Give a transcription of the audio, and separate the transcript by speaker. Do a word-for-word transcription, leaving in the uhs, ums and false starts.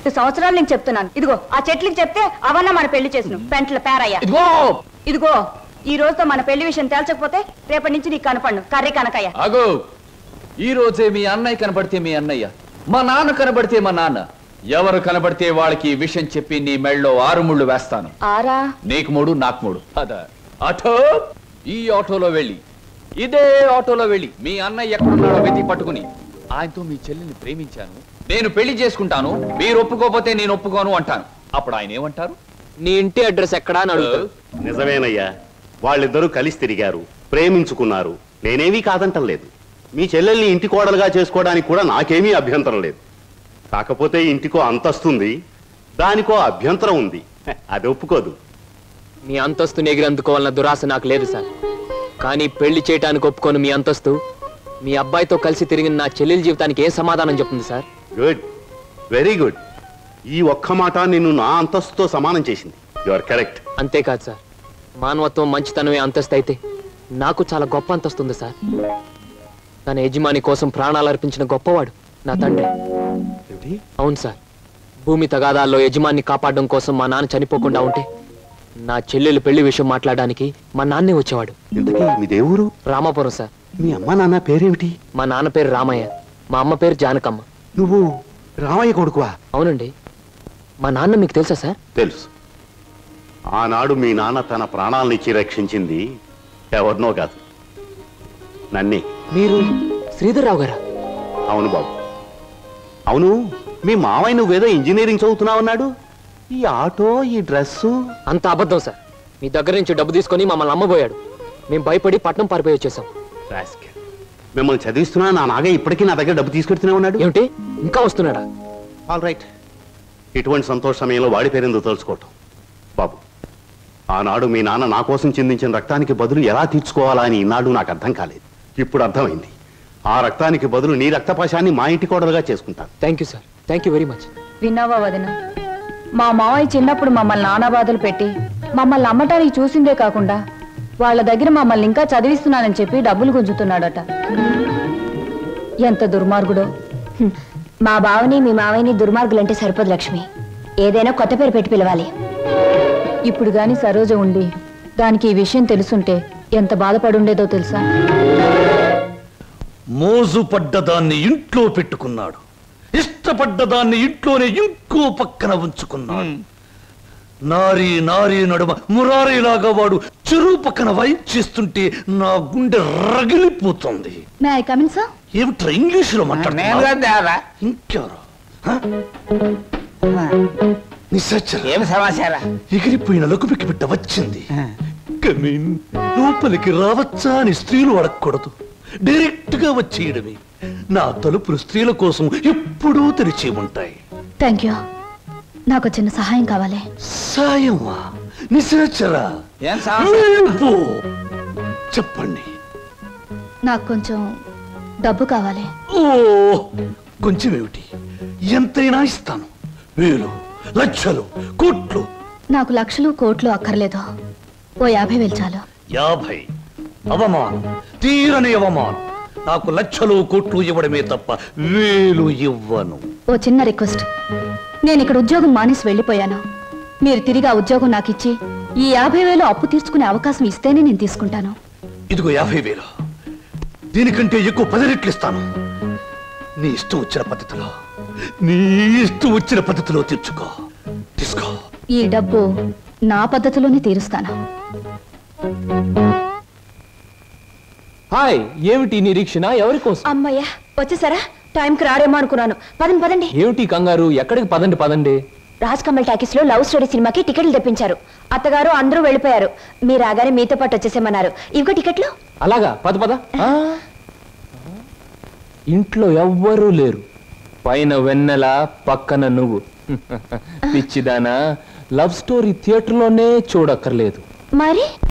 Speaker 1: రెండు సంవత్సరాలు నేను చెప్తున్నాను. ఇదిగో ఆ చెట్లకి చెప్తే అవన్నా మన పెళ్లి చేసిన పెంట్ల పేరయ్యా. ఇదిగో ఇదిగో ఈ రోజుతో మన పెళ్లి విషయం తేల్చకపోతే రేపటి నుంచి నీకు కనపడను కర్రీ కనకయ్య.
Speaker 2: అగో ఈ రోజే మీ అన్నయ్య కనబడితే మీ అన్నయ్య, మా నాన్న కనబడితే మా నాన్న, ఎవరు కనబడితే వాళ్ళకి ఈ విషయం చెప్పి నీ మెళ్ళలో ఆరు ముళ్ళు వేస్తాను.
Speaker 1: ఆరా?
Speaker 2: నీకు మూడు నాకు మూడు. అదా ఆటో, ఈ ఆటోలో వెళ్ళి ఇదే ఆటోలో వెళ్ళి మీ అన్నయ్య ఎక్కడున్నాడో వెతికి పట్టుకుని ఆయనతో మీ చెల్లిని ప్రేమించాను, నేను పెళ్లి చేసుకుంటాను, మీరు ఒప్పుకోకపోతే నేను ఒప్పుకోను అంటాను. అప్పుడు ఆయన ఏమంటారు?
Speaker 3: నీ ఇంటి అడ్రస్ ఎక్కడా అని అడుగుతారు.
Speaker 4: నిజమేనయ్యా, వాళ్ళిద్దరూ కలిసి తిరిగారు, ప్రేమించుకున్నారు. నేనేమీ కాదంటం లేదు. మీ చెల్లెల్ని ఇంటి కోడలుగా చేసుకోవడానికి కూడా నాకేమీ అభ్యంతరం లేదు. కాకపోతే ఇంటికో అంతస్తుంది, దానికో అభ్యంతరం ఉంది. అది ఒప్పుకోదు.
Speaker 3: మీ అంతస్తుని ఎగిరందుకోవాలన్న దురాశ నాకు లేదు సార్. కానీ పెళ్లి చేయడానికి ఒప్పుకోను మీ అంతస్తు మీ అబ్బాయితో కలిసి తిరిగిన నా చెల్లెల జీవితానికి ఏ సమాధానం చెప్తుంది సార్?
Speaker 4: Good, very good. ఈ ఒక్క మాట నిన్ను నా అంతస్తుతో సమానం చేసింది. You are correct.
Speaker 3: అంతేకాదు సార్, మానవత్వం మంచితనమే అంతస్తు అయితే నాకు చాలా గొప్ప అంతస్తు ఉంది సార్. తన యజమాని కోసం ప్రాణాలు అర్పించిన గొప్పవాడు నా తండ్రి. అవును సార్, భూమి తగాదాల్లో యజమాన్ని కాపాడడం కోసం మా నాన్న చనిపోకుండా ఉంటే నా చెల్లెలు పెళ్లి విషయం మాట్లాడడానికి మా నాన్నే వచ్చేవాడు.
Speaker 4: ఇంతకీ మీ దేవురు?
Speaker 3: రామాపురం సార్.
Speaker 4: మీ అమ్మ నాన్న పేరేమిటి?
Speaker 3: మా నాన్న పేరు రామయ్య, మా అమ్మ పేరు జానకమ్మ.
Speaker 4: నువ్వు రామయ్య కొడుకువా?
Speaker 3: అవునండి. మా నాన్న మీకు తెలుసా సార్?
Speaker 4: తెలుసు. ఆనాడు మీ నాన్న తన ప్రాణాలనిచ్చి రక్షించింది ఎవరినో కాదు, నన్నే.
Speaker 3: మీరు శ్రీధర్రావు గారా?
Speaker 4: అవును బాబు. అవును, మీ మావయ్య నువ్వేదో ఇంజనీరింగ్ చదువుతున్నావన్నాడు. ఈ ఆటో, ఈ డ్రెస్సు
Speaker 3: అంత అబద్ధం సార్. మీ దగ్గర నుంచి డబ్బు తీసుకొని మమ్మల్ని అమ్మబోయాడు. మేము భయపడి పట్నం పారిపోయి వచ్చేసాం.
Speaker 4: మిమ్మల్ని చదివిస్తున్నా నా నాగే ఇప్పటికీ నా దగ్గర డబ్బు తీసుకెడుతూనే ఉన్నాడు.
Speaker 3: ఏమిటి, ఇంకా వస్తున్నాడా?
Speaker 4: All right. ఇటువంటి సంతోష సమయంలో వాడి పేరెందుకు తలుచుకోవటం బాబు. ఆనాడు మీ నాన్న నా కోసం చిందించిన రక్తానికి బదులు ఎలా తీర్చుకోవాలా అని ఈనాడు నాకు అర్థం కాలేదు. ఇప్పుడు అర్థమైంది. ఆ రక్తానికి బదులు నీ రక్తపాశాన్ని మా ఇంటి కోడలుగా చేసుకుంటాను.
Speaker 3: Thank you sir, thank you very much.
Speaker 1: విన్నావా వదిన, మా మావయ్య చిన్నప్పుడు మమ్మల్ని నానా బాధలు పెట్టి మమ్మల్ని అమ్మటానికి చూసిందే కాకుండా వాళ్ళ దగ్గర మమ్మల్ని ఇంకా చదివిస్తున్నానని చెప్పి డబ్బులు గుంజుతున్నాడట. ఎంత దుర్మార్గుడో.
Speaker 5: మా బావని మీ మావయ్యని దుర్మార్గులంటే సరిపోదు లక్ష్మి, ఏదైనా కొత్త పేరు పెట్టి పిలవాలి.
Speaker 1: ఇప్పుడు గాని సరోజ ఉండి దానికి ఈ విషయం తెలుసుంటే ఎంత బాధపడుండేదో తెలుసా?
Speaker 6: మోజు పడ్డదాన్ని ఇంట్లో పెట్టుకున్నాడు, ఇష్టపడ్డదాన్ని ఇంట్లోనే ఇంకో పక్కన ఉంచుకున్నాడు. నారీ నారీ నడుమ మురారీలాగా వాడు చెరువు పక్కన వైప్ చేస్తుంటే నా గుండె రగిలిపోతుంది. ఏమిట్రా ఇంగ్లీషులో మాట్లాడుతున్నా? ఇంకెవరు? ఎగిరిపోయిన లకుపికి బిడ్డ వచ్చింది. కమీన్, లోపలికి రావచ్చా అని స్త్రీలు అడగకూడదు, డైరెక్ట్ గా వచ్చేయడమే. నా తలుపులు స్త్రీల కోసం ఎప్పుడూ తెరిచి ఉంటాయి.
Speaker 5: Thank you. నాకు చిన్న సహాయం కావాలి.
Speaker 6: సాయమా? నిశాచరా, చెప్పండి.
Speaker 5: నాకు కొంచెం డబ్బు కావాలి.
Speaker 6: ఓ, కొంచెం ఏమిటి, ఎంతైనా ఇస్తాను. వేలు, లక్షలు, కోట్లు.
Speaker 5: నాకు లక్షలు కోట్లు అక్కర్లేదు, ఓ యాభై వేలు చాలు.
Speaker 6: యాభై? అవమానం, తీరని అవమానం. నాకు లక్షలు కోట్లు ఇవ్వడమే తప్ప వేలు ఇవ్వను.
Speaker 5: ఓ చిన్న రిక్వెస్ట్, నేను ఇక్కడ ఉద్యోగం మానేసి వెళ్ళిపోయాను. మీరు తిరిగి ఆ ఉద్యోగం నాకు ఇచ్చి ఈ యాభై వేలు అప్పు తీర్చుకునే అవకాశం ఇస్తేనే నేను తీసుకుంటాను.
Speaker 6: ఇదిగో యాభై వేలు, దీనికంటే ఎక్కువ పది రెట్లు ఇస్తాను. నీ ఇష్టం వచ్చిన పద్ధతిలో, నీ ఇష్టం వచ్చిన పద్ధతిలో తీర్చుకో. తీసుకో.
Speaker 5: ఈ డబ్బు నా పద్ధతిలోనే తీరుస్తాను.
Speaker 3: హాయ్, ఏమిటి నిరీక్షణ? ఎవరి కోసం?
Speaker 5: అమ్మయ్యా, వచ్చేసారా? టైంకి రారేమో అనుకున్నాను. పదండి పదండి.
Speaker 3: ఏమిటి కంగారు? ఎక్కడికి? పదండి పదండి.
Speaker 5: రాజ్ కమల్ టాకీస్ లో లవ్ స్టోరీ సినిమాకి టికెట్లు తెప్పించారు. అత్తగారు అందరూ వెళ్ళిపోయారు. మీరు రాగానే మీతో పాటు వచ్చేసేమన్నారు. ఇవిగో టికెట్లు.
Speaker 3: అలాగా, పద పద. ఇంట్లో ఎవ్వరూ లేరు. పైన వెన్నెల, పక్కన నువ్వు. పిచ్చిదానా, లవ్ స్టోరీ థియేటర్లోనే చూడక్కర్లేదు.
Speaker 5: మరి